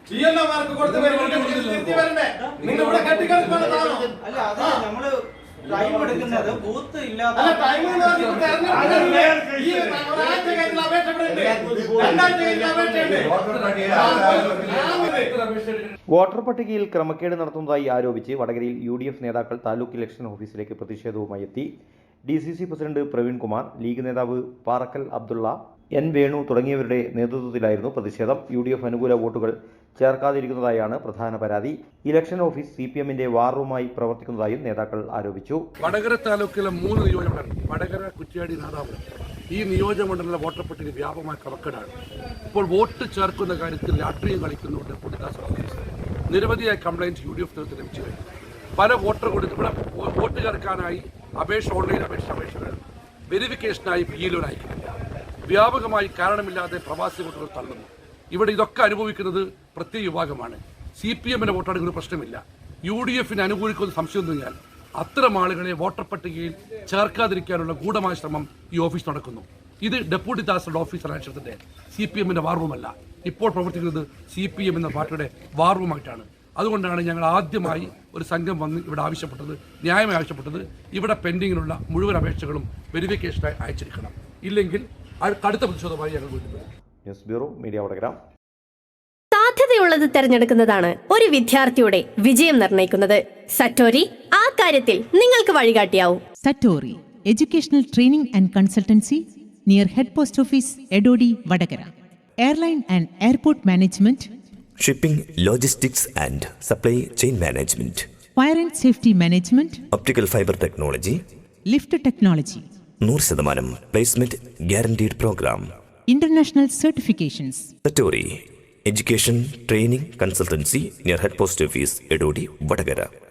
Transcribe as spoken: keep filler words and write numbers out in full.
ജിഎൽഒമാർക്ക് കൊടുത്ത് വരണ്ടേ? നിങ്ങൾ ഇവിടെ കെട്ടിക്കിടക്കുന്ന താണോ? അല്ല, അത് നമ്മള് ടൈം എടുക്കുന്നത് ബൂത്ത് ഇല്ലാത്ത അല്ല, ടൈം എന്ന് പറഞ്ഞാൽ തെരഞ്ഞെടുപ്പ് ഈ ഒരാഴ്ച കഴിഞ്ഞ അപേക്ഷ ഇവിടെ ഉണ്ട്, രണ്ടാഴ്ച കഴിഞ്ഞ അപേക്ഷ ഉണ്ട്. വോട്ടർ പട്ടികയിൽ ക്രമക്കേട് നടത്തുന്നതായി ആരോപിച്ച് വടകരയിൽ യു ഡി എഫ് നേതാക്കൾ താലൂക്ക് ഇലക്ഷൻ ഓഫീസിലേക്ക് പ്രതിഷേധവുമായി എത്തി. D C C president Praveen Kumar, league നേതാവ് പാറക്കൽ അബ്ദുള്ള, എൻ വേണു തുടങ്ങിയവരുടെ നേതൃത്വത്തിലായിരുന്നു പ്രതിഷേധം. യു ഡി എഫ് അനുകൂല വോട്ടുകൾ ചേർക്കാതിരിക്കുന്നതായാണ് പ്രധാന പരാതി. ഇലക്ഷൻ ഓഫീസ് സി പി എമ്മിന്റെ വാർ റൂമായി പ്രവർത്തിക്കുന്നതായും നേതാക്കൾ ആരോപിച്ചു. വടകര താലൂക്കിലെ മൂന്ന് നിയോജകമണ്ഡലം, വടകര, കുറ്റ്യാടി, നാദാപുരം, ഈ നിയോജകമണ്ഡല വോട്ടർ പട്ടിക വ്യാപകമായ ക്രമക്കേടാണ്. ഇപ്പോൾ വോട്ട് ചേർക്കുന്ന കാര്യത്തിൽ രാഷ്ട്രീയം കളിക്കുന്നുണ്ട് പൊടിദാസ് ഓഫീസ്. നിരവധിയായ കംപ്ലയിൻറ്റ് യു ഡി എഫ് നേതൃത്വത്തിൽ ലഭിച്ചു കഴിഞ്ഞു. പല വോട്ടർ കൊടുത്ത് ഇവിടെ വോട്ട് ചേർക്കാനായി അപേക്ഷ, ഓൺലൈൻ അപേക്ഷ അപേക്ഷകൾ വെരിഫിക്കേഷനായി പി എൽ ഒ അയക്കുന്നില്ല. വ്യാപകമായി കാരണമില്ലാതെ പ്രവാസി വോട്ടുകൾ തള്ളുന്നു. ഇവിടെ ഇതൊക്കെ അനുഭവിക്കുന്നത് പ്രത്യേക വിഭാഗമാണ്. സി പി എമ്മിന്റെ വോട്ടെടുക്കുന്ന പ്രശ്നമില്ല. യു ഡി എഫിന് അനുകൂലിക്കുന്ന സംശയം തോന്നിയാൽ അത്തരം ആളുകളെ വോട്ടർ പട്ടികയിൽ ചേർക്കാതിരിക്കാനുള്ള ഗൂഢമായ ശ്രമം ഈ ഓഫീസ് നടക്കുന്നു. ഇത് ഡെപ്യൂട്ടി തഹസിൽദാർ ഓഫീസർ അന്വേഷണത്തിന്റെ സി പി എമ്മിന്റെ വാർ റൂമല്ല. ഇപ്പോൾ പ്രവർത്തിക്കുന്നത് സി പി എം എന്ന പാർട്ടിയുടെ വാർ റൂമായിട്ടാണ്. അതുകൊണ്ടാണ് ഞങ്ങൾ ആദ്യമായി ഒരു സംഘം വന്ന് ഇവിടെ ആവശ്യപ്പെട്ടത്, ന്യായമായി ആവശ്യപ്പെട്ടത്, ഇവിടെ പെൻഡിങ്ങിലുള്ള മുഴുവൻ അപേക്ഷകളും വെരിഫിക്കേഷനായി അയച്ചിരിക്കണം. ഇല്ലെങ്കിൽ കടുത്ത പ്രതിഷേധമായി ഞങ്ങൾ വീണ്ടും. News bureau, media Vadakara. സാധ്യതയുള്ളത് തെരഞ്ഞെടുക്കുന്നതാണ് ഒരു വിദ്യാർത്ഥിയുടെ വിജയം നിർണ്ണയിക്കുന്നത്. സറ്റോരി ആ കാര്യത്തിൽ നിങ്ങൾക്ക് വഴികാട്ടിയാവും. Satori educational training and consultancy near head post office, Edodi, Vadakara. Airline and airport management, shipping, logistics and supply chain management, fire and safety management, optical fibre technology, lift technology, നൂറ് ശതമാനം placement guaranteed programme, international certifications. Satori education training consultancy near head post office, Edodi, Vadakara.